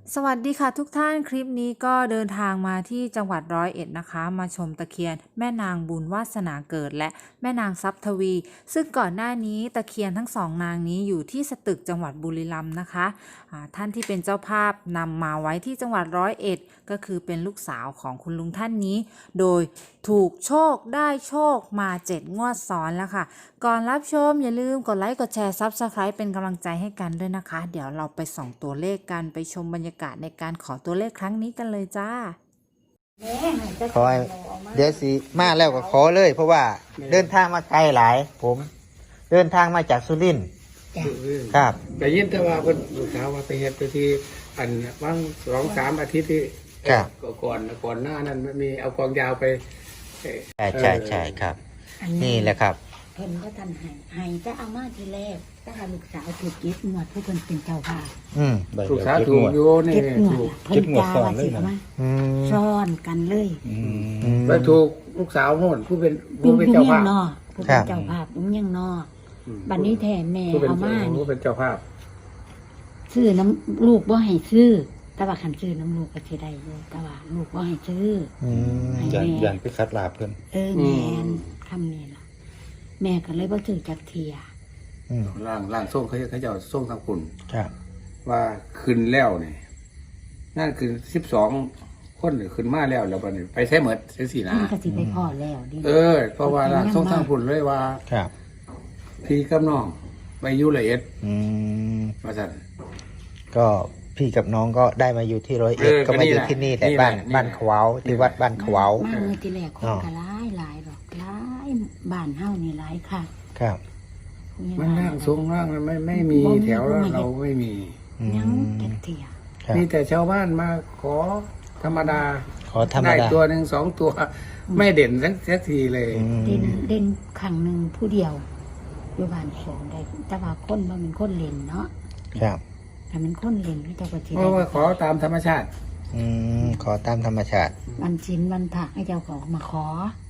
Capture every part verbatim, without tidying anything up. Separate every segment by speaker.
Speaker 1: สวัสดีค่ะทุกท่านคลิปนี้ก็เดินทางมาที่จังหวัดร้อยเอ็ดนะคะมาชมตะเคียนแม่นางบุญวาสนาเกิดและแม่นางทรัพย์ทวี ซึ่งก่อนหน้านี้ตะเคียนทั้งสองนางนี้อยู่ที่สตึกจังหวัดบุรีรัมย์นะคะะท่านที่เป็นเจ้าภาพนำมาไว้ที่จังหวัดร้อยเอ็ดก็คือเป็นลูกสาวของคุณลุงท่านนี้ โดยถูกโชคได้โชคมาเจ็ดงวดซ้อนแล้วค่ะก่อนรับชมอย่าลืมกดไลค์กดแชร์ซับสไคร b ์เป็นกำลังใจให้กันด้วยนะคะ เดี๋ยวเราไปส่องตัวเลขกันไปชมบรรยากาศในการขอตัวเลขครั้งนี้กันเลยจ้า
Speaker 2: ขอให้เดี๋ยวสิมาแล้วก็ขอเลย เพราะว่าเดินทางมาไกลหลาย ผม เดินทางมาจากสุรินทร์ครับ
Speaker 3: แต่ยินแต่ว่าเพิ่นลูกสาวว่าไปเฮ็ดไปที่อันว่างสองสามอาทิตย์ที่
Speaker 2: ครับ
Speaker 3: ก่อนก่อนหน้านั้นมันมีเอากองยาวไป
Speaker 2: ใช่ใช่ใช่ครับ นี่แหละครับ
Speaker 4: เพิ่นก็ทันให้ให้จะเอามาทีแรกถ้าหาลูกสาวถูกยึดหมวดผู้เพิ่นเป็นเจ้าภาพ
Speaker 2: อืม
Speaker 3: ลูกสาวถูกอยู่นี่
Speaker 4: เก็บหมว
Speaker 3: ถู
Speaker 4: ด
Speaker 3: ก
Speaker 4: เพิ่นจาว่าสิเอามา
Speaker 2: อืม
Speaker 4: ซ่อนกันเลย
Speaker 2: อืม
Speaker 3: ไปถูกลูกสาวโน่นผู้เป็น
Speaker 4: ยุ
Speaker 3: ผู้
Speaker 4: ง
Speaker 3: เป็น
Speaker 4: ยุง
Speaker 3: เจ้า
Speaker 4: ยั
Speaker 3: ภาง พ
Speaker 4: นอผู้
Speaker 2: ครั
Speaker 4: เป็น
Speaker 2: บ
Speaker 4: เจ้าภาพยุงยังนอบัดนี้แทนแม่
Speaker 3: ผู้เป็น
Speaker 4: เอามา
Speaker 3: ผู้
Speaker 4: นี่
Speaker 3: เป็นเจ้าภาพ
Speaker 4: ซื้อน้ำลูกบ่ให้ซื้อแต่ว่าคันซื้อน้ำลูกก็สิได้อยู่แต่ว่าลูกบ่ให้ซื้อ
Speaker 2: อืม
Speaker 4: ให้
Speaker 5: ยัน
Speaker 4: แม่
Speaker 5: ยันไปคัดลาบเพิ่น
Speaker 4: เออแม่นคำนี้ล่ะแม่ก็เลยบ่ถือจักเทีย
Speaker 2: อืม
Speaker 3: ร่างร่างส่งเขาเขาจะส่งทางคุณ
Speaker 2: ครับ
Speaker 3: ว่าขึ้นแล้วนี่นั่นคือสิบสองคนหรือขึ้นมาแล้วแล้วบัดนี้ไปใช้เหมือนใช้สีนะ
Speaker 4: มันก็สิไปพ่อแล้วดิ
Speaker 3: เออ เพราะว่าร่างส่งทางคุณเลยว่า
Speaker 2: ครับ
Speaker 3: พี่กับน้องไปอยุละเอ็ด
Speaker 2: อืม
Speaker 3: มาสั่น
Speaker 2: ก็พี่กับน้องก็ได้มาอยู่ที่ร้อยเอ็ด
Speaker 3: เออ
Speaker 2: ก็มาอยู่
Speaker 3: ก็นี่แหละ
Speaker 2: ที่นี่แหละ
Speaker 3: นี่แหละ
Speaker 2: บ้าน
Speaker 3: นี่แหละ
Speaker 2: บ้านขวาวที่วัดบ้านขวาว
Speaker 4: มาเมื่อที่แรกคน
Speaker 2: อ๋อ
Speaker 4: ก็หลายหลายดอกหลายบ้านเฮานี่หลายค่ะ
Speaker 2: ครับ
Speaker 3: มันร่างทรงร่างมันไม่ไม่มีแถวแล้วเราไม่มี
Speaker 2: อื
Speaker 4: ยัง
Speaker 2: ม
Speaker 4: เก็บเทีย
Speaker 2: ครับ
Speaker 3: มีแต่ชาวบ้านมาขอธรรมดา
Speaker 2: ขอธรรม
Speaker 3: ได้
Speaker 2: ดา
Speaker 3: ตัวหนึ่งสองตัว ไม่เด่นสักสักทีเลย
Speaker 2: อืม
Speaker 4: เด่นเด่นครั้งหนึ่งผู้เดียวอยู่บ้านสองได้แต่ว่าคนบ่เป็นคนเล่นเนาะ
Speaker 2: ครับ
Speaker 4: ถ้าเป็นคนเล่นก็จะก็สิ
Speaker 3: เพ
Speaker 4: ได้
Speaker 3: ราะว่าขอตามธรรมชาติ
Speaker 2: อืมขอตามธรรมชาติ
Speaker 4: วันชินวันผักให้เจ้าของมาขอ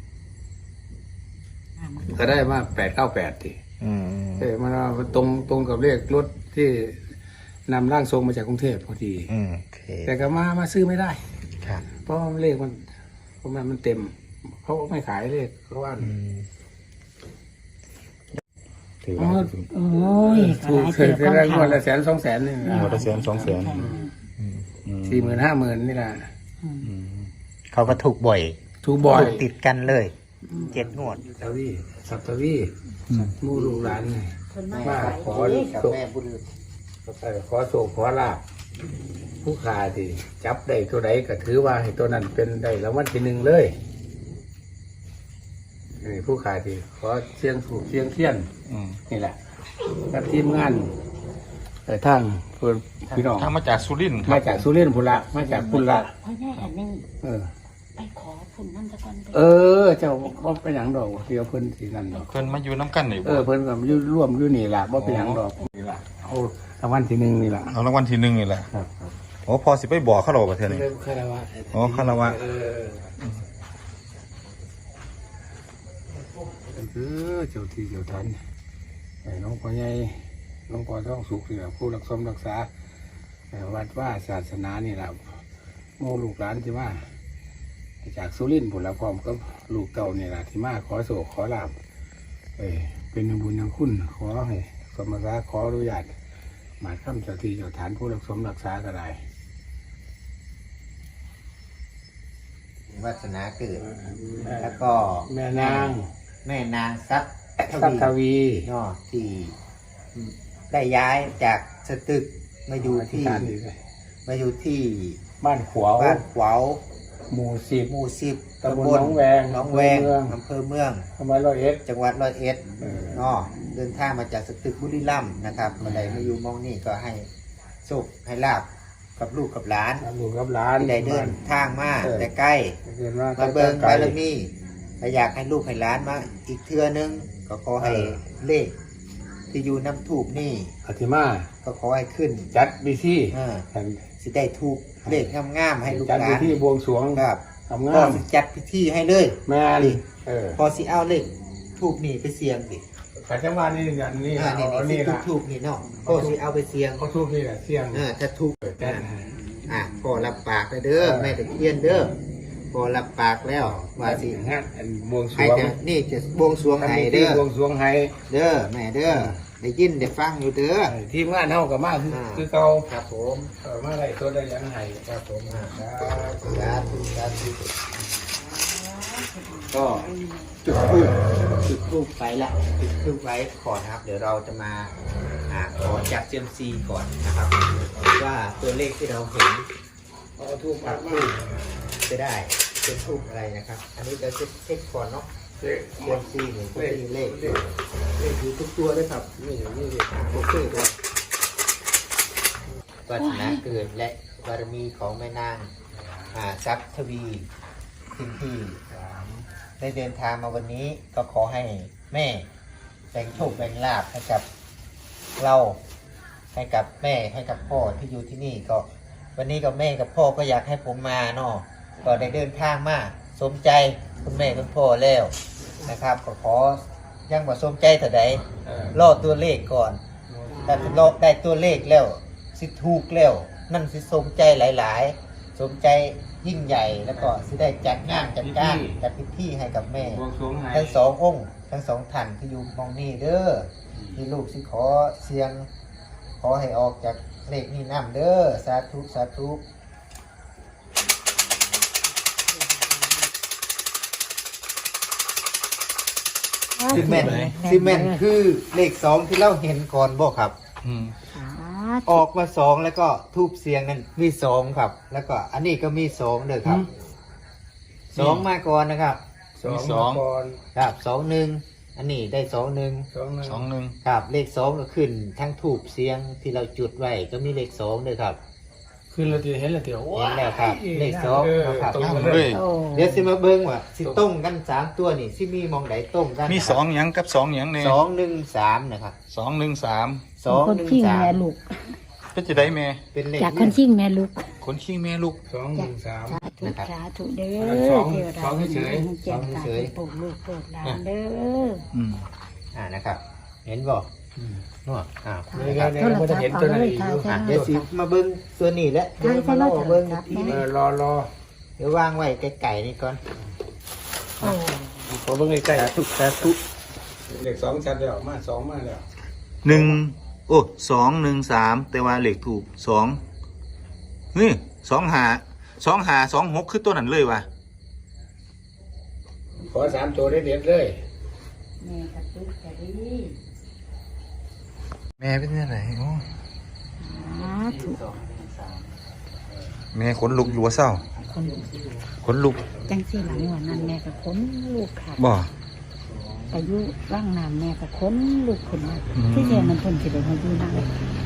Speaker 4: อ่ามัน
Speaker 3: ก็ได้มาแปดเก้าแปดที
Speaker 2: อืม
Speaker 3: เออมันเอาตรงตรงกับเลขรถที่นำร่างทรงมาจากกรุงเทพพอดี
Speaker 2: อืมโอเค
Speaker 3: แต่ก็มามาซื้อไม่ได้
Speaker 2: ครับ
Speaker 3: เพราะว่าเลขมันเพราะมันมันเต็มเขาไม่ขายเลขเขาว่า
Speaker 2: อืม
Speaker 5: ถือ
Speaker 3: อ๋อ
Speaker 5: ว่า
Speaker 4: โอ้ยก็
Speaker 3: ถู
Speaker 4: ห
Speaker 3: ก
Speaker 4: ลาย
Speaker 3: เค
Speaker 4: เติ
Speaker 3: ย
Speaker 4: บ
Speaker 3: เคยได้งวดละแสนสองแสนนี่
Speaker 5: หมดละแสนสองแสน
Speaker 3: สี่หมื่นห้าหมื่นนี่แหละ
Speaker 2: เขาก็ถูกบ่อย
Speaker 3: ถูกบ่อย
Speaker 2: ถูกติดกันเลยเจ็ดงวด
Speaker 3: สัตวีสัตวีหมูลูกหลานไง
Speaker 4: คนมา
Speaker 3: มาขอ
Speaker 2: กับ
Speaker 3: โชค
Speaker 2: แม่บุญ
Speaker 3: ขอโชคขอลาบผู้ขาที่จับได้ตัวใดก็ถือว่าให้ตัวนั้นเป็นได้รางวัลที่หนึ่งเลยนี่ผู้ขาที่ขอเชียงถูกเชียงเทียน
Speaker 5: อืม
Speaker 3: นี่แหละกับทีมงานเอ่อทางเพื่อนพี่น้อง
Speaker 5: ทางมาจากสุรินทร์ครั
Speaker 3: มา
Speaker 5: บ
Speaker 3: จากสุรินทร์พุนละมาจากพุนละ
Speaker 4: เพราะแน่อันนี้
Speaker 3: เออ
Speaker 4: ไปขอฝุ่นนั่นตะกอน
Speaker 3: เออ เจ้าบ่เป็นหยังดอกเดียวเพิ่นสินั่นดอก
Speaker 5: เพิ่นมาอยู่น้ำกันนี่
Speaker 3: เออเพิ่นก็อยู่ร่วมอยู่นี่ล่ะบ่เป็นหยังดอกนี่ล่ะเอารางวัลที่หนึ่งนี่ล่ะ
Speaker 5: เอารางวัลที่หนึ่งนี่แหละ
Speaker 3: ครับครับ
Speaker 5: โอ้พอสิไปบอกเขาหรอประเทศนี้
Speaker 3: เริ่มคารวะ
Speaker 5: อ๋อคารวะ
Speaker 3: เออเออเจ้าที่เจ้าทันไอ้น้องพ่อใหญ่น้องพ่อท้องสุขนี่ล่ะผู้รักษารักษาเอ่อวัดว่าศาสนานี่ล่ะโมลูกหลานที่มาจากสุรินทร์ผุนละพร้อมกับลูกเก่านี่ล่ะที่มาขอโศกขอลาบเอ้ยเป็นบุญยังคุณขอให้สมรักขออนุญาตหมายคำเจ้าที่เจ้าฐานผู้รักษารักษาก็ได้
Speaker 2: วาสนาเกิด แล้วก็
Speaker 3: แม่นาง
Speaker 2: แม่นางทรัพย์
Speaker 3: สัตทวี
Speaker 2: เนาะที่ได้ย้ายจากสตึกมาอยู่ที่
Speaker 3: การดีเลย
Speaker 2: มาอยู่ที่
Speaker 3: บ้านขวาว
Speaker 2: บ้านขวาว
Speaker 3: หมู่สิบ
Speaker 2: หมู่สิบ
Speaker 3: ตำบลหนองแวง
Speaker 2: หนองแวง
Speaker 3: อำเภอเมือง
Speaker 2: อำเภอเมือง
Speaker 3: ทำไมร้อยเอ็ด
Speaker 2: จังหวัดร้อยเอ็ด
Speaker 3: เออ
Speaker 2: เนาะเดินทางมาจากสตึกบุรีรัมย์นะครับมาได้มาอยู่หมองนี่ก็ให้โชคให้ลาบกับลูกกับหลาน
Speaker 3: ลูกกับหลาน
Speaker 2: ที่ได้เดินทางมา
Speaker 3: เออ
Speaker 2: แต่ใกล้
Speaker 3: เดินมา
Speaker 2: มาเบิง
Speaker 3: ไกล
Speaker 2: บารมีถ้าอยากให้ลูกให้หลานมาอีกเทื่อนึง ก็ขอให้
Speaker 3: เออ
Speaker 2: เลข ที่อยู่น้ำถูกนี่
Speaker 3: อธิมา
Speaker 2: ก็ขอให้ขึ้น
Speaker 3: จัดบิซี่
Speaker 2: เออสิได้ถูกเลขงามๆให้ลูก
Speaker 3: จัด
Speaker 2: หลา
Speaker 3: บิ
Speaker 2: น
Speaker 3: ซี่บวงสรวง
Speaker 2: ครับ
Speaker 3: ทำ
Speaker 2: พ
Speaker 3: งา
Speaker 2: อ
Speaker 3: ม
Speaker 2: สิจัดพิธีให้เลย
Speaker 3: แม่น
Speaker 2: นี่
Speaker 3: เออ
Speaker 2: พอสิเอาเลขถูกนี่ไปเสี่ยงดิ
Speaker 3: ขัดจังหวะนี่อย่างนี้
Speaker 2: อ่านี่
Speaker 3: เอา
Speaker 2: นี่
Speaker 3: นี่
Speaker 2: สิ
Speaker 3: ละ
Speaker 2: ถูกๆนี่เนาะก็สิเอาไปเสี่ยง
Speaker 3: เขาทุกนี่แหละเสียง
Speaker 2: อ่าถ้าถูก
Speaker 3: จัด
Speaker 2: อ่า
Speaker 3: ให้
Speaker 2: อ่ะพ่อรับปากแล้วเด้อแม่ตะเคียนเด้อพ่อรับปากแล้วว่าสิ
Speaker 3: งานอันบวงสร
Speaker 2: ให้
Speaker 3: วง
Speaker 2: จะนี่จะบวงสรวง
Speaker 3: ทำ
Speaker 2: ให้
Speaker 3: พิธี
Speaker 2: เด้อบ
Speaker 3: วงสรวงให้
Speaker 2: เด้อแม่เด้อได้ยินได้ฟังอยู่เด้อ
Speaker 3: ทีมงานเฮากับมาคือ
Speaker 2: อ่า
Speaker 3: คือเก่า
Speaker 2: ครับผม
Speaker 3: เออมาได้ตัวได้ยังไห้ครับผมอ่าครับ
Speaker 2: สาธุสาธุก็จุดทูบจุดทูบไปละจุดทูบไว้ก่อนนะครับ เดี๋ยวเราจะมาอ่าขอจากเซียมซีก่อนนะครับว่าตัวเลขที่เราเห็น
Speaker 3: เอาทูบปักมา
Speaker 2: จะได้เป็นทูบอะไรนะครับ อันนี้เราจะเช็คก่อนเนาะ
Speaker 3: เด็ก
Speaker 2: เซียมซีหนึ่งก็มีเลข
Speaker 3: เลข
Speaker 2: เลขอยู่ทุกตัวด้วยครับ
Speaker 3: นี่อย่างนี้ดิ
Speaker 2: โอเคครับวาสนาเกิดและบารมีของแม่นางอ่าทรัพย์ทวีสิ่งที่ได้เดินทางมาวันนี้ก็ขอให้แม่แบ่งโชคแบ่งลาภให้กับเราให้กับแม่ให้กับพ่อที่อยู่ที่นี่ก็ วันนี้กับแม่กับพ่อก็อยากให้ผมมาเนาะก็ได้เดินทางมาสมใจคุณแม่คุณพ่อแล้วนะครับก็ขอยังบ่สมใจเท่าใด
Speaker 3: เออ
Speaker 2: รอตัวเลขก่อนแต่รอได้ตัวเลขแล้วสิถูกแล้วนั่นสิสมใจหลาย ๆ สมใจยิ่งใหญ่แล้วก็สิได้จัดงานจัดการจัดพิธีให้กับแม่
Speaker 3: บวงสรวงให้
Speaker 2: ทั้งสององค์ทั้งสองท่านที่อยู่มองนี่เด้อที่ลูกสิขอเสียง ขอให้ออกจากเลขนี้น้ำเด้อสาธุสาธุซีเมนต์ซีเมนต์คือเลขสองที่เราเห็นก่อนบ่ครับ
Speaker 5: อืม
Speaker 4: สา
Speaker 2: ออกมาสองแล้วก็ทูบเสียงนั้นมีสองครับ แล้วก็อันนี้ก็มีสองเด้อครับสองมาก่อนนะครับ
Speaker 3: สอง
Speaker 5: สอง
Speaker 3: ก่อน
Speaker 2: ครับสองหนึ่งอันนี้ได้สองหนึ่ง
Speaker 3: สองหนึ่ง
Speaker 5: สองหนึ่ง
Speaker 2: ครับเลขสองก็ขึ้นทั้งทูบเสียงที่เราจุดไว้ก็มีเลขสองด้วยครับ
Speaker 3: คือเราจะเห็นแล้วเดี๋ยว
Speaker 2: เห็นแล้วครับเลขสอง
Speaker 3: เออ
Speaker 2: ครับ
Speaker 3: ตรง
Speaker 5: เล
Speaker 3: เลย ย
Speaker 4: โอ้
Speaker 2: เดี๋ยวสิมาเบิ้งว่าสิต้มกันสามตัวนี่สิมีมองไหนต้มกัน
Speaker 5: มีสองหยังกับสองหยังเนี่ย
Speaker 2: สองหนึ่งสามนะครับ
Speaker 5: สองหนึ่งสาม
Speaker 2: สอง
Speaker 4: คน
Speaker 2: หนึ่ง
Speaker 4: ขิง
Speaker 2: สาม
Speaker 4: แม่ลูก
Speaker 5: เป็นจะได้แม่
Speaker 2: เป็นเลข
Speaker 4: จากคนขิงแม่ลูก
Speaker 5: คนขี้แม่ลูก
Speaker 3: สองหนึ่งสาม
Speaker 4: สาธุสาธุเด้
Speaker 3: อันนั้น
Speaker 4: อ
Speaker 3: สอง
Speaker 4: เทวดา
Speaker 3: สองเฉย
Speaker 4: แจ้งตาปลูกลูกปลูกหลานเด้อ
Speaker 5: อืม
Speaker 2: อ่านะครับ เห็นบ่นวดอ่า
Speaker 3: นี่ไงเนี่ยเราจะเห็นตัวไหนอีกอยู่
Speaker 2: อ่ะเดี๋ยวสิมาเบิ้งตัวนี้แหละเดี๋ยวมาเล่าเบิ้งอีกที
Speaker 3: เอ
Speaker 2: นึง
Speaker 3: อรอรอ
Speaker 2: เดี๋ยววางไว้ไก่ๆนี่ก่อน
Speaker 4: โอ้
Speaker 3: ขอเบิ่งใกล้
Speaker 2: สาธุสาธุ
Speaker 3: ๆเลขสองชัดแล้วมาสองมาแล้ว
Speaker 5: หนึ่งโอ้สองหนึ่งสามแต่ว่าเลขถูกสองนี่สองหาสองหาสองหกคือตัวนั้นเลยวะ
Speaker 3: ขอสามตัวได้เด็ดเลย
Speaker 4: แม่กระตุกกระดี
Speaker 5: แม่เป็นยังไงโอ้
Speaker 4: สาธุ
Speaker 5: แม่ขนลุกอยู่ว่าเศร้า
Speaker 4: คน
Speaker 5: ขนลุก
Speaker 4: จังสี่หลังวันนั้นแม่กับคนลูกค่ะ
Speaker 5: บ่
Speaker 4: อายุร่างนามแม่กับคนลูกคนมา
Speaker 5: อืม
Speaker 4: ที่เรียนมันเพิ่นสิได้มาอยู่นั่ง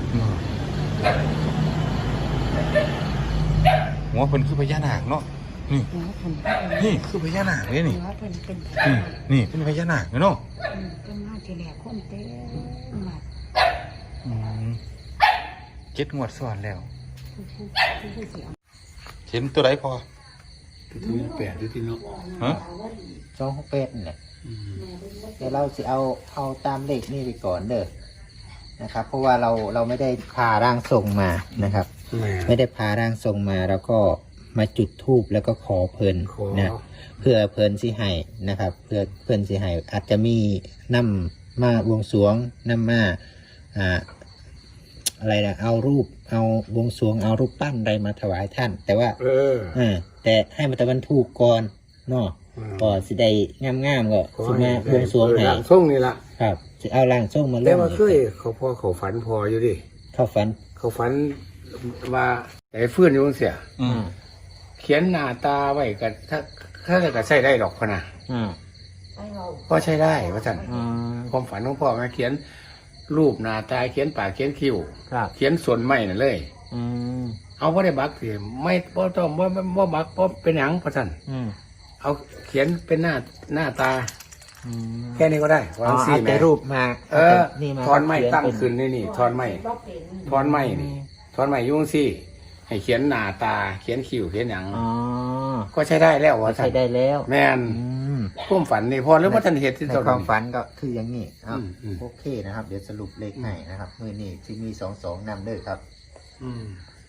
Speaker 5: หัวเพิ่นคือพญานาคเนาะนี่
Speaker 4: หัวเพิ่น
Speaker 5: นี่คือพญานาคเลยนี่
Speaker 4: หัวเพิ่นเป็น
Speaker 5: นี่นี่เป็นพญานาคเนาะ
Speaker 4: เป็นมาที่แรกคนเต็มมา
Speaker 5: อืมเจ็ดงวดซ้อนแล้ว
Speaker 4: ผู้ผู้เสียง
Speaker 5: เห็นตัวใดพอ
Speaker 3: ถึงแปดที่เนาะ
Speaker 5: ฮะ
Speaker 2: สองหกแปดนี่แหละเดี๋ยวเราสิเอาเอาตามเลขนี่ไปก่อนเด้อนะครับ เพราะว่าเราเราไม่ได้พาร่างทรงมานะครับ
Speaker 3: แม่
Speaker 2: ไม่ได้พาร่างทรงมาแล้วก็มาจุดธูปแล้วก็ขอเพลิน
Speaker 3: ขอ
Speaker 2: นะเพื่อเพลินสิให้นะครับ เพื่อเพลินสิให้อาจจะมีน้ำมาบวงสรวงน้ำมาอ่าอะไรนะเอารูปเอาบวงสรวงเอารูปปั้นอะไรมาถวายท่าน แต่ว่า
Speaker 3: เออ
Speaker 2: อ่าแต่ให้มันแต่มันถูกก่อนเนาะ
Speaker 3: อืม
Speaker 2: ก็สิได้งามๆก็สิมาบวงสรวงให้
Speaker 3: หลังส่งนี่ล่ะ
Speaker 2: ครับสิเอาร่างทรงมาล
Speaker 3: แต่
Speaker 2: ง
Speaker 3: ว่าเคยเขาพ่อเขาฝันพออยู่ดิ
Speaker 2: เข้าฝัน
Speaker 3: เขาฝันว่าไอ้เฟื่อนอยู่เสีย
Speaker 5: อืม
Speaker 3: เขียนหน้าตาไว้กันถ้าถ้าก็ใช้ได้หรอกพะนะ
Speaker 2: อืม
Speaker 3: ก็ใช้ได้ว่าท่าน
Speaker 2: อืม
Speaker 3: ความฝันของพ่อแม่เขียนรูปหน้าตาเขียนปากเขียนคิ้ว
Speaker 2: ครับ
Speaker 3: เขียนส่วนไม้นั่นเลย
Speaker 2: อืม
Speaker 3: เอาพ่ได้บักสิไม่พ่ต้องว่าว่าบักเพราะเป็นหยังพระท่าน
Speaker 2: อืม
Speaker 3: เอาเขียนเป็นหน้าหน้าตา
Speaker 2: อืม
Speaker 3: แค่นี้ก็ได้
Speaker 2: อ๋
Speaker 3: วา
Speaker 2: อง
Speaker 3: สี่
Speaker 2: เอา
Speaker 3: แม่
Speaker 2: แต่รูปมา
Speaker 3: เออ
Speaker 2: นี่มา
Speaker 3: ทอนไม้
Speaker 2: เขีย
Speaker 3: ตั้ง
Speaker 2: เป็
Speaker 3: ขึ้นนี่นี่ทอนไม้
Speaker 4: บ่เป็น
Speaker 3: ทอนไม้นี่ทอนไม้อยุ่จั่งสี่ให้เขียนหน้าตา เขียนคิ้วเขียนหยัง
Speaker 2: อ๋อ
Speaker 3: ก็ใช้ได้แล้วว่าท่า
Speaker 2: ใช้
Speaker 3: น
Speaker 2: ได้แล้ว
Speaker 3: แม่น
Speaker 2: อืม
Speaker 3: พุ่มฝันนี่พอหรือว่าท่านเห็นที่
Speaker 2: ใน
Speaker 3: ตัว
Speaker 2: ความฝันก็คืออย่างนี้อ้าว
Speaker 3: อืมอืม
Speaker 2: โอเคนะครับ เดี๋ยวสรุปเลขให้นะครับมือนี้ที่มีสองสองนำเด้อครับ
Speaker 3: อืม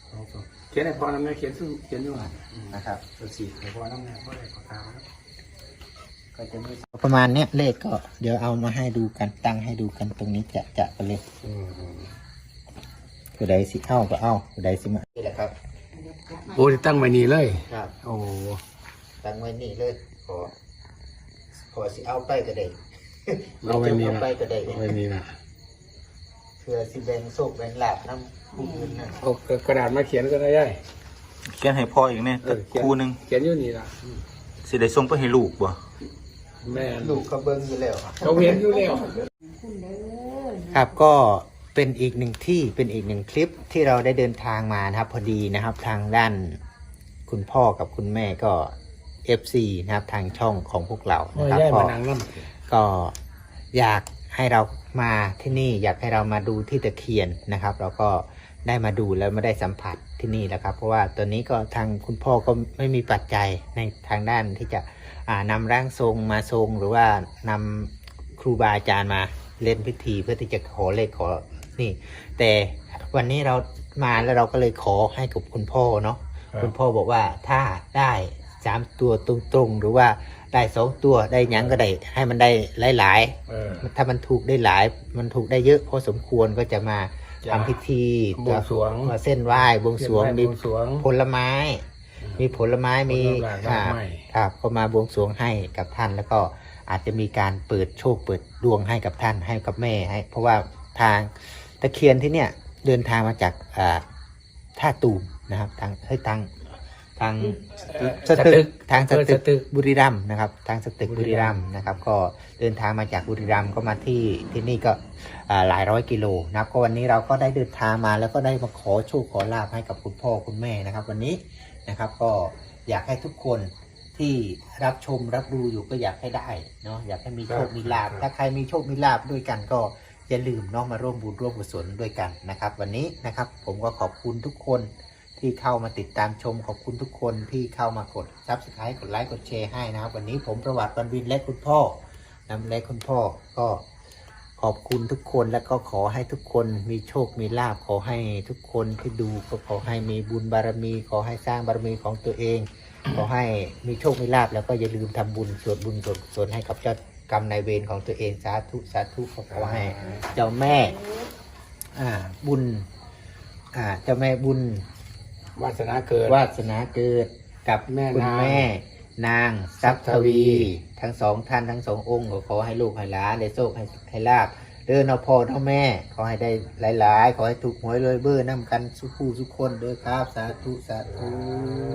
Speaker 3: สองสองเขียนให้พอน้ำเนี่ยเขียนซึ่งเขียนอยู่หัน
Speaker 2: นะครับ
Speaker 3: ตัวสี่ให้พอน้ำเนี่ยพอได้ปากกาครับ
Speaker 2: ก็จะมีประมาณเนี้ยเลขก็เดี๋ยวเอามาให้ดูกันตั้งให้ดูกันตรงนี้จะจะกันเลย
Speaker 3: อืมอืม
Speaker 2: ผู้ใดสิเอาก็เอาผู้ใดสิมานี่แหละครับ
Speaker 3: โอ้ที่ตั้งไว้นี่เลย
Speaker 2: ครับ
Speaker 3: โอ้
Speaker 2: ตั้งไว้นี่เลยขอขอสิเอาไปก็ได้
Speaker 3: เอาไว้นี่
Speaker 2: เอา
Speaker 3: นะ
Speaker 2: ไปก็ได้
Speaker 3: เอาไว้นี่นะ
Speaker 2: เพื่อสิแบ่งโชคแบ่งลาภน้ำผู้อื่นนะ
Speaker 3: เอากระดาษมาเขียนก็ได้ย่าย
Speaker 5: เขียนให้พ่ออีกเนี่ย
Speaker 3: เออเขียน
Speaker 5: คู่หนึง
Speaker 3: เขียนอยู่นี่ละ
Speaker 5: สิได้ส่งไปให้ลูกบ่
Speaker 3: แม่
Speaker 2: ลูกเขาเบิ้งอยู่แล้ว
Speaker 3: เขาเห็นอยู่แล้ว
Speaker 2: ครับก็เป็นอีกหนึ่งที่เป็นอีกหนึ่งคลิปที่เราได้เดินทางมานะครับ พอดีนะครับทางด้านคุณพ่อกับคุณแม่ก็ เอฟ ซี นะครับทางช่องของพวกเรา
Speaker 3: โอ้
Speaker 2: นะ
Speaker 3: ย
Speaker 2: ครับ
Speaker 3: ย่าย
Speaker 2: ก็
Speaker 3: มานั่งน้ำ
Speaker 2: ก็อยากให้เรามาที่นี่ อยากให้เรามาดูที่ตะเคียนนะครับ เราก็ได้มาดูแล้วไม่ได้สัมผัสที่นี่แล้วครับ เพราะว่าตัวนี้ก็ทางคุณพ่อก็ไม่มีปัจจัยในทางด้านที่จะอ่านำร่างทรงมาทรง หรือว่านำครูบาอาจารย์มาเล่นพิธีเพื่อที่จะขอเลขขอนี่ แต่วันนี้เรามาแล้วเราก็เลยขอให้กับคุณพ่อเนาะ
Speaker 3: ครับ
Speaker 2: คุณพ่อบอกว่าถ้าได้สามตัวตรงๆหรือว่าได้สองตัวได้หยังก็ได้ให้มันได้หลาย
Speaker 3: เออ
Speaker 2: ๆถ้ามันถูกได้หลาย มันถูกได้เยอะพอสมควรก็จะมา
Speaker 3: จะ
Speaker 2: ทำพิธี
Speaker 3: บวงสรวง
Speaker 2: มาเส้นไหว้บวงสรวง
Speaker 3: เขี
Speaker 2: มี
Speaker 3: ยนไบวงสรวง
Speaker 2: ผลไม้ มีผลไม้มี
Speaker 3: ผลไม้ดอกไม้
Speaker 2: ครับก็มาบวงสรวงให้กับท่านแล้วก็อาจจะมีการเปิดโชคเปิดดวงให้กับท่านให้กับแม่ให้ เพราะว่าทางตะเคียนที่เนี่ยเดินทางมาจากอ่าท่าตูมนะครับทางเฮ้ยทางทาง
Speaker 3: เอ่อ
Speaker 2: สตึกทางส
Speaker 3: เออ
Speaker 2: ตึ
Speaker 3: สตึ
Speaker 2: ก
Speaker 3: ก
Speaker 2: บุรีรัมย์นะครับทางสตึก
Speaker 3: บุ
Speaker 2: บุ
Speaker 3: รี
Speaker 2: รี
Speaker 3: รั
Speaker 2: รั
Speaker 3: ม
Speaker 2: ม
Speaker 3: ย์
Speaker 2: ย์นะครับ ก็เดินทางมาจากบุรีรัมย์ก็มาที่ที่นี่ก็อ่าหลายร้อยกิโลนะครับก็วันนี้เราก็ได้เดินทางมาแล้วก็ได้มาขอโชคขอลาภให้กับคุณพ่อคุณแม่นะครับ วันนี้นะครับก็อยากให้ทุกคนที่รับชมรับดูอยู่ก็อยากให้ได้เนาะอยากให้มีโชคมีลาภถ้าใครมีโชคมีลาภด้วยกันก็อย่าลืมเนาะมาร่วมบุญร่วมกุศลด้วยกันนะครับ วันนี้นะครับ ผมก็ขอบคุณทุกคนที่เข้ามาติดตามชมขอบคุณทุกคนที่เข้ามากดซับสไครต์กดไลค์กดแชร์ให้นะครับ วันนี้ผมประวัติบรรวินและคุณพ่อนำและคุณพ่อก็ขอบคุณทุกคนและก็ขอให้ทุกคนมีโชคมีลาภขอให้ทุกคนที่ดูก็ขอให้มีบุญบารมี ขอให้สร้างบารมีของตัวเอง ขอให้มีโชคมีลาภแล้วก็อย่าลืมทำบุญสวดบุญสวดกุศลให้กับเจ้ากรรมนายเวรของตัวเองสาธุสาธุขอให้เจ้าแม่อ่าบุญอ่าเจ้าแม่บุญ
Speaker 3: วาสนาเกิด
Speaker 2: วาสนาเกิดกับ
Speaker 3: แม่
Speaker 2: คุณ
Speaker 3: นาง
Speaker 2: แม่ นางทรัพย์ทวี
Speaker 3: ทวี
Speaker 2: ทั้งสองท่านทั้งสององค์ก็ขอให้ลูกให้หลานได้โชคให้ให้ลาบเดินเอาพ่อเอาแม่ ขอให้ได้หลายๆ ขอให้ถูกหวยรวยเบอร์น้ำกันสุขผู้สุขคนเด้อครับ สาธุสาธุ